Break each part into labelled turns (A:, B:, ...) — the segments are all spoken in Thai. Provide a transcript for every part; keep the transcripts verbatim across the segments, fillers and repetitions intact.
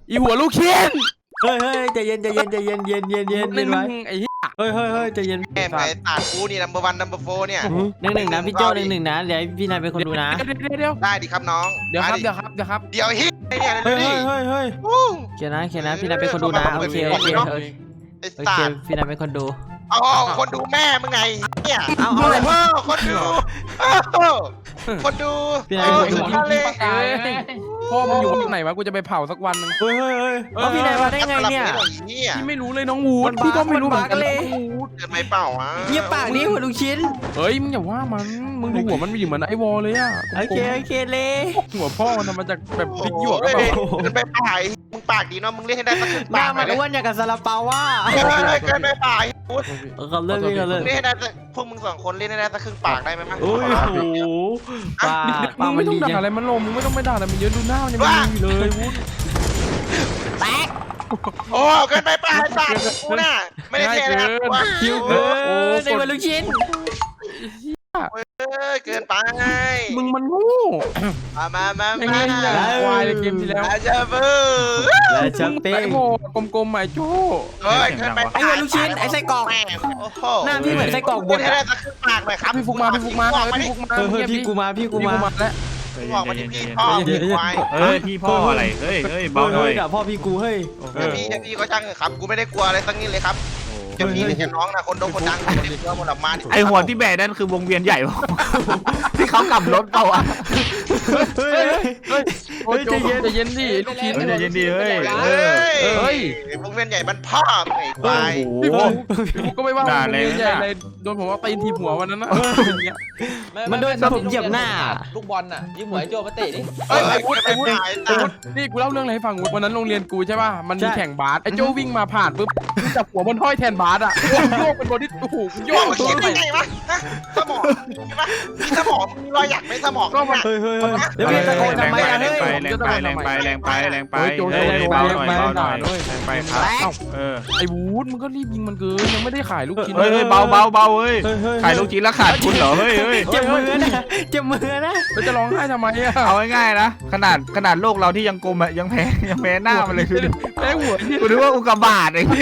A: อีหัวลูกชิ้น
B: เฮ้ยเฮ้ยใจเย็นใจเย็นใจเย็นเย็นเย็นเย็น
A: หนึ่
B: เย็
A: ง
B: น
A: ห
B: ไว้
A: นึ่งไอ้เหี้ย
B: เฮ้ยเฮ้ยเฮ้ยใจเย็น
C: แม่ไอ้ตาดกูนี่ number one number four เนี่ย
B: หนึ่งหนึ่งนะพี่โจ้หนึ่งหนึ่งนะเดี๋ยวพี่นายเป็นคนดูนะ
A: เดี๋ยวเดี๋ยวเดี๋ยว
C: ได้ดิครับน้อง
A: เดี๋ยวครับเดี๋ยวครับเดี๋ยวครับ
C: เดี๋ยวฮิไอ้เนี่ย
B: เฮ้
C: เดี๋
B: ย
C: ยว
B: เฮ้
C: ดิ
B: ยเฮ้ยเฮ้ย
C: อู้
B: เขียนนะเขียนนะพี่นายเป็นคนดูนะโอเคโอเคโอเค
C: ไอ้
B: โอ
C: ตา
B: เค
C: ด
B: พี่นายเป็นคนดู
C: เอาคนดูแม่มึงไงเนี่ย
B: เอาเอา
C: เออคนดูคนดู
B: พี่นาย
C: เออ
B: เป็นคนดู
C: ทะเล
A: เอ้ยพ่อมึงอยู่ที่ไหนวะกูจะไปเผาสักวันนึง
B: เฮ้ยเฮ้ยเฮ้ยเอาพี่นายมาได้ไงเนี่ย
C: เนี่ย
A: พี่ไม่รู้เลยน้องวูดพี่ก็ไม่รู้เหมือนกัน
C: เกินไปเปล่าวะ
B: เงียบปากนี้หัวลูกชิ้น
A: เฮ้ยมึงอย่าว่ามันมึงดูหัวมันมีเหมือนไอ้วอลเลยอะ
B: โอเคโอเคเลย
A: หัวพ่อมันทำมาจากแบบพริกหยวกก็
C: เฮ้
A: แบบ
C: ยเกินไปเปล่าไอ้มึงปากดีเนาะมึงเล่นให้ได้สักครึ่ง
B: หน้า
C: ปาก
B: มัน
C: เลย
B: อ้วนอย่างกับซาลาเปาว่า
C: เกินเกินไปเปล่าไอ้พูด
B: เขาเลิกพี่เขาเลิก
C: เล่นให้ได้สักพวกมึงสองคนเล่นให้ได้สักครึ่งปากได้ไหมมั้ย
B: โอ้ยโหปาก
A: มึ
B: ปาก
A: ง
B: มั
A: ไม่
B: น
A: ต้อง
B: ดี
A: ด่า
B: จัง
A: อะไรมันลงมึงไม่ต้องไปด่าอะไรมันเยอะดูหน้ามันยังไม่มีเลยวูด
B: แตก
C: โอ้เกินไปเปล่าไอ้สัตว์กูน่ะไม่ได้เท่นะครับกูว่า
B: คิวเกินในหัวลูกชิ้น
C: เออเกินไป
A: มึงมันโง่
C: มามามา
A: ไอ้
C: มา
A: เงี้ยควายเลยเกมที่แล้ว
C: อาจจะเบื่อ
B: และชัก
A: มึง
B: เป้
A: ไอ้
B: ง
A: โง่กลมๆไอ้โจ้
C: เฮ้ยเกินไป
B: ไอ้หัวลูกชิ้นไอ้ไส้กรอก
C: แม่โอ้โห
B: หน้าพี่เหมือนไส้กรอกบ
C: เล่
B: ด
C: นให้ได้สักครึ่งปากหน่อยครับ
A: พี่ฟุกมาพี่ฟุกมา
C: ออก
A: เฮ้ย
C: มาดิ
A: พี่ฟุกมา
B: เฮ้ยเฮ้ย
A: เงียบ
B: พี่กูมาพี่กู
A: พี่
B: มา
A: กูมาแล้ว
C: ออกมาดิพี่พ่อพี่ควาย
D: เฮ้ยพี่พ่ออะไรเฮ้ยเฮ้ยเบาหน่อย
B: กับพ่อพี่กูเฮ้ย
D: โอ้โห
C: เดี๋ยวพี่เดี๋ยวพี่ก็ช่างเถอะครับกูไม่ได้กลัวอะไรสักนิดเลยครับจะพี่หรือจะน้องนะคนโดนคนดังคนเดียวหมดออกมาดิ
D: ไอหัวที่แบกนั่นคือวงเวียนใหญ่ปะที่เขากลับรถเปล่าอ่ะ
B: เฮ้ยเฮ้ย
A: โอ้ยใจเย็นใจเย็นดิลูกชิ้น
D: เฮ้ยใจเย็นดีเฮ้ย
C: เฮ้ย
A: เฮ้ย
C: วงเวียนใหญ่มันพ่อไอ้ควาย
D: โอ้โห
A: พี่ฟุกก็ไม่ว่า
D: ด่า
A: ผม
D: แรง
A: ใหญ่
D: นะ
A: เลยโดนผมว่าตีนทีหัววันนั้นนะ
B: มันโดนผมเหยียบหน้า
E: ลูกบอลน่ะยิ้มหัวไอ้โจมาเตะดิ
C: เฮ้ยไอ้พูดไอ้พูดไอ้ตา
A: นี่กูเล่าเรื่องอะไรให้ฟังวันนั้นโรงเรียนกูใช่ป่ะมันมี
B: ใช่
A: แข่งบาสไอ้โจ้วิ่งมาผ่านปุ๊บจับหัวบนห้อยแทนบาสอ่ะโยกเป็นบอดี้โอ้โหโย
C: โย
A: ก
C: กมัน
A: ตัว
C: คิด
A: ไป
C: ได้ไงวะฮะสมองมีปะมีสมองมีรอยหยักในสมอง
A: ก็มัน
B: เฮ้ยเฮ้ยเฮ้ยเดี๋ยวพี่ตะโกนทำไมอะ
D: แร
B: เฮ้
D: ง
B: ย
D: ไปแรงไปแรงไปแรงไปแรงไปเฮ้ยเบาหน่อยเบาหน่อยแรงไปครับเออ
A: ไอ้วูดมึงก็รีบยิงมันเกินยังไม่ได้ขายลูกชิ้น
D: เฮ้ยเฮ้ยเบาเบาเบาเฮ้ย
B: เฮ้ยเฮ้ย
D: ขายลูกชิ้นแล้วขาดทุนเหรอเฮ้ยเฮ้ย
B: เจ็บมือนะเจ็บมือนะ
A: แล้วจะร้องไห้ทำไมอ่ะ
D: เอาง่ายๆนะขนาดขนาดโลกเราที่ยังกลมอะยังแพ้ยังแพ้หน้ามันเลยคือ
A: แม่หัวเนี่ย
D: กูนึกว่าอุกกาบาตไอ้เหี้ย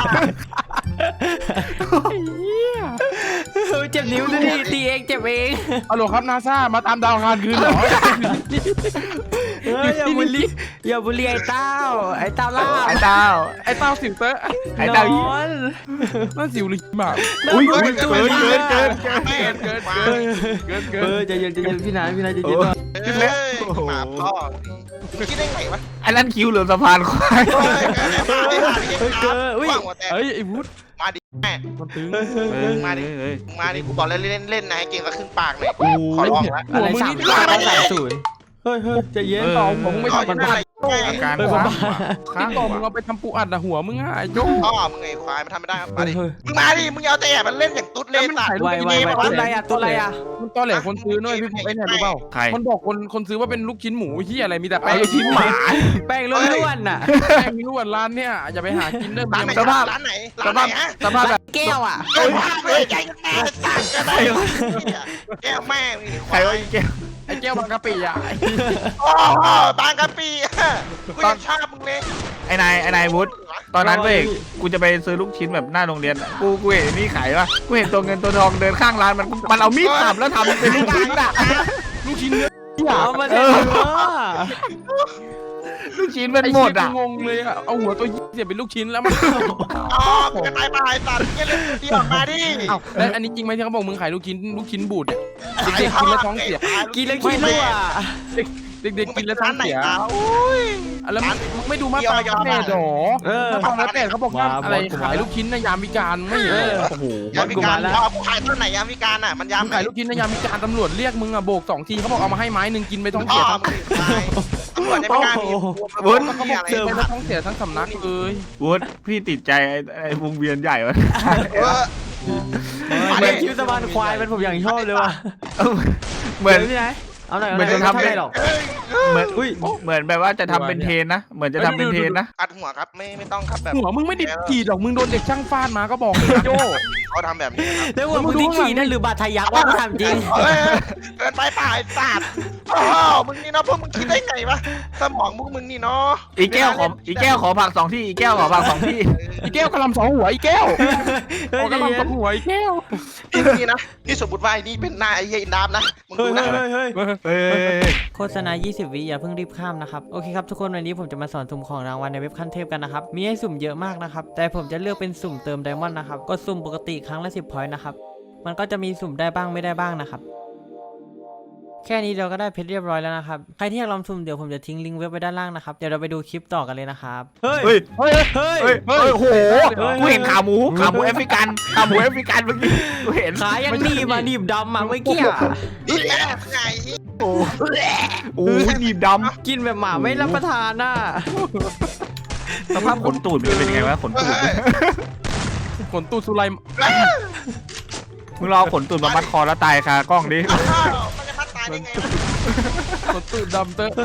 B: เจ็บนิ้วดูดิตีเองเจ็บเอง
A: ฮัลโหลครับนาซามาตามดาวอังคารคืนเหรอ
B: เฮ้ยอย่าบุลีอย่าบุลีไอ้เต้าไอ้เต้าล่า
D: ไอ้เต้า
A: ไอ้เต้าสิวเตอร์
D: ไอ้เต้า
B: นอน
A: นั่นสิวลิหมา
D: อุ้ยเกินเกินเกินเกิน
C: แม่
A: เกิน
C: ควา
A: เกิ
C: ย
A: นเกินเกิ
B: เอน อใจเย็นใจเย็นพี่นายพี่นายใจเย็น
C: เฮ้ยหมาพ่อคิดได้ไงวะ
D: ไอ้นั่นคิวหรือสะพานควาย
C: เฮ้ยเกินไปมาดิมาดิว่างหัวแตก
A: เฮ้ยไอ้วูด
C: มาดิแม่
A: มันตึง
C: มาดิ
D: เฮ้ย
C: มาดิกูบอกแล้วเล่นเล่นนะให้เก่งสักครึ่งปากหน่อย
B: โอ้
C: ขอร้องแล้ว
B: อะไรสามอะไรสามศูนย์เฮ้ยเฮ้ยใจเย็น
A: ต่อผมไม่
C: ขอ
A: ทำ
C: ยั
A: มัน
C: งไง
D: อาการ
B: เฮ้ย
D: ข้า
B: บ้าง
D: ข้าง
A: ต่อมึงเอาไปทำปูอัดอะหัวมึงอ่ะไอ้โจ้
C: พ่อมึงไงควายมันทำไม่ได้ครับมาดิ
B: เฮ้ย
C: มึงมาดิมึงเอาแต่มันเล่นอย่างตุ๊ดเล่นสัตว์
B: ไวไวไวตุ้นอะไรอ่ะตุ้นอะไรอ่ะ
A: มันตอแหลคนซื้อด้วยพี่ฟุกไอ้เนี่ยรู้เปล่า
D: ใคร
A: มันบอกคนคนซื้อว่าเป็นลูกชิ้นหมูที่อะไรมีแต่
D: ไอ้
A: แป้ง
D: ลูกชิ้นหมา
B: แป้งล้วนๆน่ะ
A: แป้งมีล้วนร้านเนี่ยอย่าไปหากินเด้อ
C: ร้านไหน
A: สภาพ
C: ร้านไหน
D: ส
C: ร้านไหน
D: ภาพ
C: ฮะ
D: สภาพแบบ
B: แก้วอ่ะ
C: เฮ้ยเฮ้ยใจแม่สัตว์ก็ได้แก้วแม่มีค
D: ใคร
C: วา
D: ว่าย อีแก้ว
A: ไอ้แก้วบางกะปิอ่ะ
C: โอ้โหบางกะปิกูยังชอบมึงเลย
D: ไอ้นายไอ้นายวุฒิตอนนั้นเว้ยกูจะไปซื้อลูกชิ้นแบบหน้าโรงเรียนกูกูเห็นนี่ขายวะกูเห็นตัวเงินตัวทองเดินข้างร้านมันมันเอามีดสับแล้วทำเป็นลูกชิ้นอะ
A: ลูกชิ้นเนื้อ
B: เอามาเถอะ
D: ลูกชิ้นเป็นหมดอะ
A: งงเลยอ่ะเอาหัวตัวยี่เสียเป็นลูกชิ้นแล้วมัน
C: อ๋อมึงจะตายไปสัตว์เนี่ยเล่นเดียวมาดิ
A: เอ้าแล้วอันนี้จริงไหมที่เขาบอกมึงขายลูกชิ้นลูกชิ้นบูดเนี่ยเด็กๆกินแล้วท้องเสีย
B: กินแล้วขี้รั่ว
A: เด็กๆกินแล้วท้อง
C: ไหน
A: เสีย
C: เอา
A: แล้วมึงไม่ดูมาตราแปดหรอ
B: เออ
A: มาตราแปดเขาบอกว่าอะไรขายลูกชิ้นในยามวิการไม่เห็น
B: เอ
A: เหร
B: อ
A: อ
B: โอ้โห
C: ยามวิการพอกูขายต้นไหนยามวิการอ่ะมันยาม
A: มึงขายลูกชิ้นในยามวิการตำรวจเรียกมึงอ่ะโบกสองทีเขาบอกเอามาให้ไม้หนึ่งกินไปท้อง
C: พ่อ
A: เสีย
C: มึ
A: ทั้ง
C: งตายตำรวจไม่กล้ามีวุ้น
A: เขาบอก
C: อะไร
A: เจอไปแล้วท้องเสียทั้งสำนักเลย
D: วุฒิพี่ติดใจไอ้ไอ้วงเวียนใหญ่วะ
C: เออ
B: เหมือนคิวสะพานควายเป็นผมอย่างชอบเลยว่ะ
D: เหมือน
B: พี่นายเอาหน่อยเอาห
D: เหมื
B: น่
D: อ
B: อน ย
D: จะทำ
B: ไม่ได้หรอก
D: เหมือนเหมือนแบบว่าจะทำเป็นเทรนนะเหมือนจะทำเป็นเทรนนะ
C: อัดหัวครับไม่ไม่ต้องครับแบบ
A: หัวมึงไม่ได้ขีดหรอกมึงโดนเด็กช่างฟาดมาก็บอกเลยโจ้
C: เขาทำแบบนี้ครับ
B: แล้วหัวมึงที่ขี่นั่นหรือบาดทะยักว่ากูถามจริง
C: เฮ้ยเกินไปป่าไอ้สัตว์โอ้โหมึงนี่เนาะพวกมึงคิดได้ไงวะสมองพวกมึงนี่เนาะ
D: อีแก้วขออีแก้วขอผักสองที่อีแก้วขอผักสองที่
A: อีแก้วกระลำสองหัวอีแก้ว
B: เฮ้ย
A: กระลำสองหัวอีแก้ว
C: นี่นะนี่สมมติว่าไอ้นี่เป็นหน้าไอ้เหี้ยอินดามนะมึง
B: เฮ้
C: ดู
B: ย
C: นะ
B: เฮ้ยเฮ้ย
D: เอ้ย
B: โฆษณายี่สิบวิอย่าเพิ่งรีบข้ามนะครับโอเคครับทุกคนวันนี้ผมจะมาสอนสุ่มของรางวัลในเว็บขั้นเทพกันนะครับมีให้สุ่มเยอะมากนะครับแต่ผมจะเลือกเป็นสุ่มเติมไดมอนด์นะครับกดสุ่มปกติครั้งละสิบพอยต์นะครับมันก็จะมีสุ่มได้บ้างไม่ได้บ้างนะครับแค่นี้เราก็ได้เพชรเรียบร้อยแล้วนะครับใครที่อยากลองสุ่มเดี๋ยวผมจะทิ้งลิงก์เว็บไว้ด้านล่างนะครับเดี๋ยวเราไปดูคลิปต่อกันเลยนะครับเฮ้ย
D: เฮ้ย
B: เฮ้ยเฮ้ย
D: เฮ้ยเฮ้ยโอ้โหกูเห็นขาหมูขาหมูแอฟริกันขาหมูแอฟริกันเมื่อกี้กูเห็น
B: ขายังหนีบมาหนีบดำมาเมื่อกี้อะ
C: นี่แหละไง
D: โอ้โหหนีบด
B: กินแบบหมาไม่รับประทานน่ะ
D: ำสภาพขนตูดมันจะเป็นยังไงวะขนตูด
A: ขนตูดสุไล
D: มึงรอขนตูดมามัดคอแล้วตายคากล้องดิ
C: อ้าวมันจะพัดตายได้ไง
A: ขนตูดดำเตอะ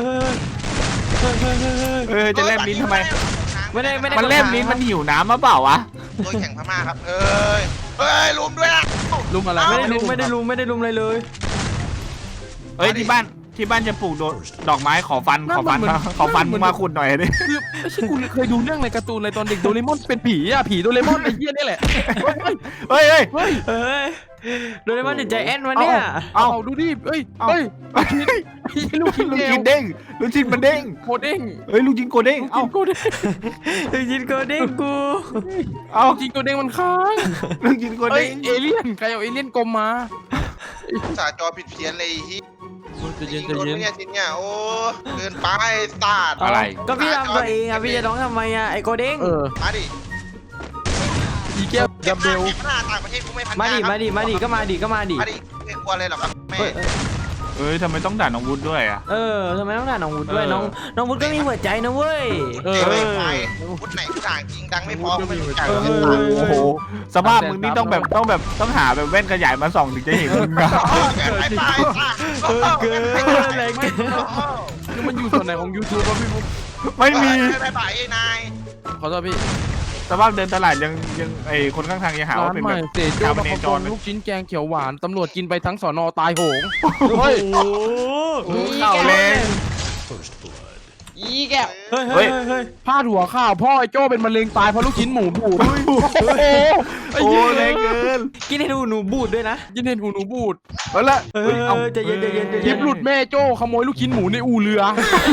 D: เออจะแลบลิ้นทำไม
B: ไม่ได้ไม่ได้
D: มันแลบลิ้นมันหิวน้ำมาเปล่าวะ
C: ตัวแข่งพม่าครับเอ้ยเอ้ยลุมด้วยนะ
A: ลุมอะไร
B: ไม่ได้ลุมไม่ได้ลุมไม่ได้ลุมอะไรเลย
D: เอ้ยที่บ้านที่บ้านจะปลูกดอกไม้ขอฟันขอฟันขอฟันมึงมาขุดหน่อยดิ
A: คือไม่ใช่กูเคยดูเรื่องในการ์ตูนอะไรตอนเด็กโดเรมอนเป็นผีอ่ะผีโดเรมอนไอ้เหี้ยนี่แหละ
D: เฮ้ยเฮ้ย
A: เฮ้ย
B: เฮ้ยโดเรมอนติดใจแอนวะเนี่ย
A: เอาดูดิเฮ้ยเฮ้ยลูกชิ้น
D: ลูก
A: แก้
D: ชิ้
A: วน
D: เด้งลูกชิ้นมันเด้ง
A: โคเด้ง
D: เฮ้ยลูกชิ้นโกเด้ง
A: เอา
D: เอ้า
A: โคเด้ง
B: ถึงจินโกเด้งกู
D: เอ้า
A: จริงโคเด้งมันค้าง
D: ลูกชิ้นโก
A: เฮ้ย
D: เด้ง
A: เอเลี่ยนใครเอาเอเลี่ยนกลมมา
C: สาจอผิดเพี้ยนเลยที่
A: จะเย็น
C: โด
A: จะ
C: น
A: เย็น
C: เนี่ยชิ้นเนี่ยโอ้เกินไปตาด
D: อะไร
B: ก็พี่ทำตัวเองอ่ะพี่จะร้องทำไมอ่ะไอโกเด้ง
A: เออ
C: มาดิ
A: อีแก้วดับเบล
C: เก็บหน้าต่างประเทศกูไม่พัน
B: มาดิมาดิมาดิก็มาดิก็มาดิ
C: มาดิไม่กลัวเลยหรอกครับแม่
B: เฮ้ย
D: เอ้ยทำไมต้องด่าน้องวุฒิด้วยอ่ะ
B: เออทำไมต้องด่าน้องวุฒิด้วยน้องน้องวุฒิก็มีหัวใจนะเว้ย
A: เออ
C: ไม่ไปพุทธไหนกูด่างจริงดังไม่พอไม่รู้จัก
B: เออ
D: โอ้โหสภาพมึงนี่ต้องแบบต้องแบบต้องหาแบบแว่นขยายมาส่องถึงจะเห็นมึงอะ
C: เกินไปตาย
B: เออเกินอะไรเกิน
A: นี่มันอยู่ส่วนไหนของ YouTube วะพี่บุ๊ค
D: ไม่มี
C: ไปไปไอ้นาย
A: ขอโทษพี่
D: สภาพเดินตลาดยังยังไอคนข้างทางยังหา
A: ร้า
D: ว่าน เป็น
A: ให
D: แบ
A: ม่
D: บ
A: เตโจ้
D: ชาว
A: บะ
D: เน
A: ค
D: จ
A: อ
D: ร
A: มลูกชิ้นแกงเขียวหวานตำรวจกินไปทั้งสอนอตายโหง
B: เฮ้ย
D: เข้าเลย
E: อีแก้ว
B: เฮ้ยเฮ้ยเฮ้ย
A: พาดหัวข่าวพ่อไอ้โจ้เป็นมะเร็งตายเพราะลูกชิ้นหมูบูดโอ้โหไอ้
D: โอ้
A: เหี้ย
D: แรงเกิน
B: กินให้ดูหนูบูดด้วยนะ
A: ยินเห็นหูหนูบูด
D: เอาละ
B: เอ
D: เฮ้ยเอา
B: อใจเย็นใจเย็นใจ
A: คลิ
B: เย็น
A: ปหลุดแม่โจ้ขโมยลูกชิ้นหมูในอู่เรือ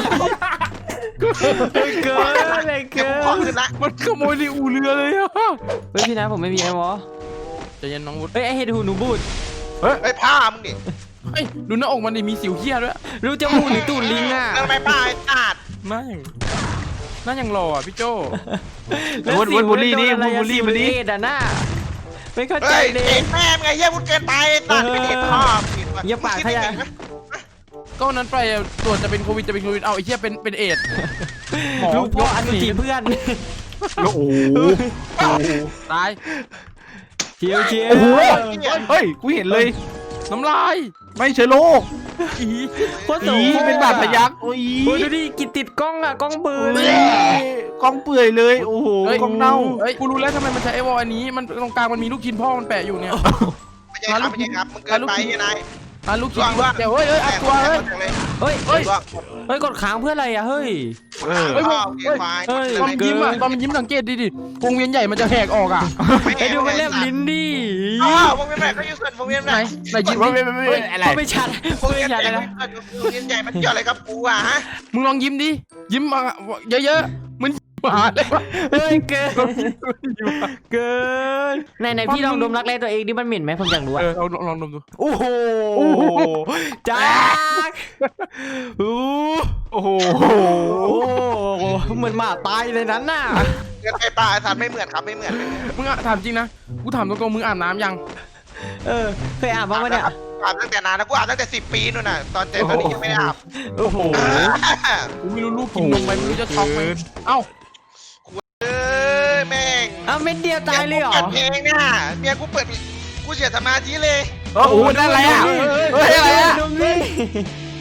B: เกินอะไร
C: เก็บ
B: เกิ
C: ของ
B: น
C: ขึ้นละ
A: มันขโมยในอู่เรือเลยอะ
B: เฮ้ยพี่นะผมไม่มีไอ้วอ
A: ใจเย็นน้องวุฒิ
B: เฮ้ยไอเห็ดหูหนูบูด
C: ไอ้ผ้ามึงดิ
A: เฮ้ยดูหน้าอกมันดิมีสิวเขี้ยด้วย
B: รู้จมูกหรือตูดลิงอ่ะ
C: นั่นไม่ป้าไอ้ตาด
A: นั่นยังนั่นยังรออ่ะพี่โจ้
D: วุฒิวุฒิบุรีนี่วุฒิบุรีบุรี
B: เอ็ดอ่ะน่าไม่เข้าใจ
C: เฮ้ย
B: เลย
C: เด็กแม่มึงไงเฮียพูดเกินไปตาดไม่เด็กพ่อ
B: อย่าปากขยะ
A: ก็วันนั้นไปตรวจจะเป็นโควิดจะเป็นโควิดเอาไอ้เหี้ยเป็นเป็นเอดส์หมอ
B: ลูกพ่ออันจีเพื่อน
D: โอ้โห
A: ตาย
B: เชียวเชียว
D: โอ้โหเฮ้ยกูเห็นเลย
A: น้ำลาย
D: ไม่เชื้อโรค
A: อี
B: โคตรโส
D: อี
B: ม
D: เป็นบาดทะยักโอ้ย
B: โอ้ยดูดิกินติดกล้องอ่ะกล้องเบือ
D: กล้องเปื่อยเลยโอ้โหกล้องเน่า
A: เฮ้ยกูรู้แล้วทำไมมันใช้ไอวอลอันนี้มันตรงกลางมันมีลูกชิ้นพ่อมันแปะอยู่เนี่ย
C: ไม่ใช่ครับไม่ใช่ครับมึงเกินไปไอ้นาย
A: อ่ะลูกชิ้นเดี๋ยวเฮ้ยเฮ้ยอัดตัวเฮ้ย
B: เฮ้ย
C: เฮ้ย
B: เฮ้ยกดค้างเพื่ออะไรอ่ะเฮ้ย
D: เออ
A: เฮ้ย
C: โอเคไฟ
B: เฮ้ย
A: ตอนมันยิ้มอ่ะตอนมันยิ้มสังเกตดิดิวงเวียนใหญ่มันจะแหกออกอ่ะ
B: ไอ้ดูมันแลบลิ้นดิ
C: อ้าววงเวียนแม่ก็อยู่ส่วนวงเวียน
A: ไหน
C: แม่
A: ไหนยิ้ม
D: ไม่
A: ดิ
D: ไม่ไม่ไม่อะไร
B: ไม่ชัด
C: วง
B: ไม่
C: เวียนให
B: ชั
C: ญ่
B: ดเลยนะ
C: วงเวียนใหญ่มันเกี่ยวอะไรกับกูอ่ะฮะ
A: มึงลองยิ้มดิยิ้มมาเยอะๆมันหาเลยวะ
B: เฮ้ยเกินเกินไหนไหนพี่ลองดมรักแร้ตัวเองดิมันเหม็นไหมผมอยากรู้
A: เอ
B: อ่ะ
A: อเอาลองดมดู
B: โอ้โหจ้าโอ้
D: โอ้โห
B: โหเหมือนหมาตายเลยนั้นน่ะ
C: เกินไปป่าไอ้สัตว์ไม่เหมือนครับไม่เหมือน
A: มึงอ่ะถามจริงนะกูถามตรงๆมึงอาบน้ำยัง
B: เออเคยอ่านบ้างไหมเนี่ย
C: อาบตั้งแต่นานแล้วกูอาบตั้งแต่สิบปีนู่นน่ะตอนเจ็ดตอนนี้ยังไม่ได้อาบ
B: โอ้โห
A: กูไม่รู้ลูกกินนมไปไม่รู้จะช็อกไหมเอ้า
C: เออแม่ง
B: อ้าวเม็ดเดียวตายเลยเหรอ
C: เปิดเพลงเนี่ยเมียกูเปิดกูเสียสมาธิเลย
D: โอ้โหนั่นอะไรอ่ะเฮ้ยอะไรอ่ะ
B: ดมดิ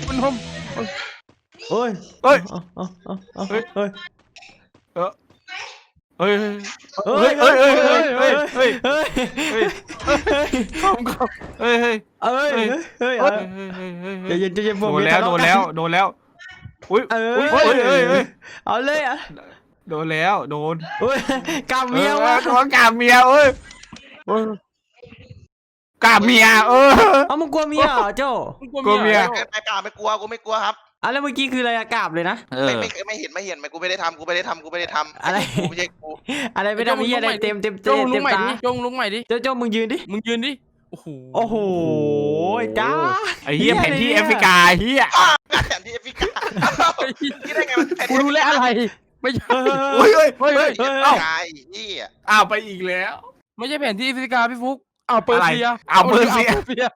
A: มันนม
B: โอ้ย
D: เฮ้ย
B: เอาเอาเอาเอา
D: เฮ้ย
B: เฮ้ย
D: เฮ้ย
B: เฮ้ย
D: เฮ้ยเฮ้ยเฮ้ยเฮ้ยเฮ้ย
B: เฮ้ย
D: เฮ้ย
A: คอมคอม
D: เฮ้ยเฮ้ย
B: เอ้ย
D: เฮ้ย
B: เฮ้ย
D: เฮ้
B: เฮ้
D: ย
B: ยใจเย็นใจเย็นพ
D: โด
B: วก
D: น
B: นี้
D: แล้ว
B: ทะ
D: โด
B: เาะ
D: น
B: กั
D: แล้วโดนแล้วอุ้ย
B: เออ
D: อุ้ยเฮ้ยเฮ้ยเฮ้ย
B: เอาเลยอ่ะ
D: โดนแล้วโดน
B: เฮ้ยกำเมียวะ
D: โดนกาเมียเอ้ยกาเมียเออ
B: เอามึงกลัวเมียเหรอโจ้
D: กลัวเมีย
C: เกินไปเปล่าไม่กลัวกูไม่กลัวครับ
B: อ่ะแล้วเมื่อกี้คืออะไรอะกราบเลยนะ
D: เอ
C: ไม่
D: อ
C: ไม่ไม่เห็นไม่เห็นไม่กูไม่ได้ทำกูไม่ได้ทำกูไม่ได้ทำ
B: อะไร
C: กูไม่ใช่กู
B: อะไรไม่ได้มีอะไรเต็มเต็ม
A: โจ้
B: เต็ม
A: ลุ
B: เต็
A: ง
B: ม
A: ใหม่
B: ตา
A: ดิโจ้ลุงใหม่ดิ
B: โจ้โจ้มึงยืนดิ
A: มึงยืนดิโอ้โห
B: โอ้โหจ้า
D: ไอ้เหี้ยแผนที่แอฟริกาเหี้ย
C: แผนที่แอฟริกาคิดได้ไงมันแผน
A: กู
C: ที่
A: รู้แล้วอะไรไม่ใช่
B: เฮ้ย
D: เฮ้ยเฮ้ยเฮ้ย
C: เฮ้ย
D: เอ้า
C: ไอ้นี่
D: อ้าวไปอีกแล้ว
A: ไม่ใช่แผนที่แอฟริกาพี่ฟุกอ้าวเปอร์เซีย
D: อะไรอ้าวเปอร์เซีย
A: าเปอร์เซีย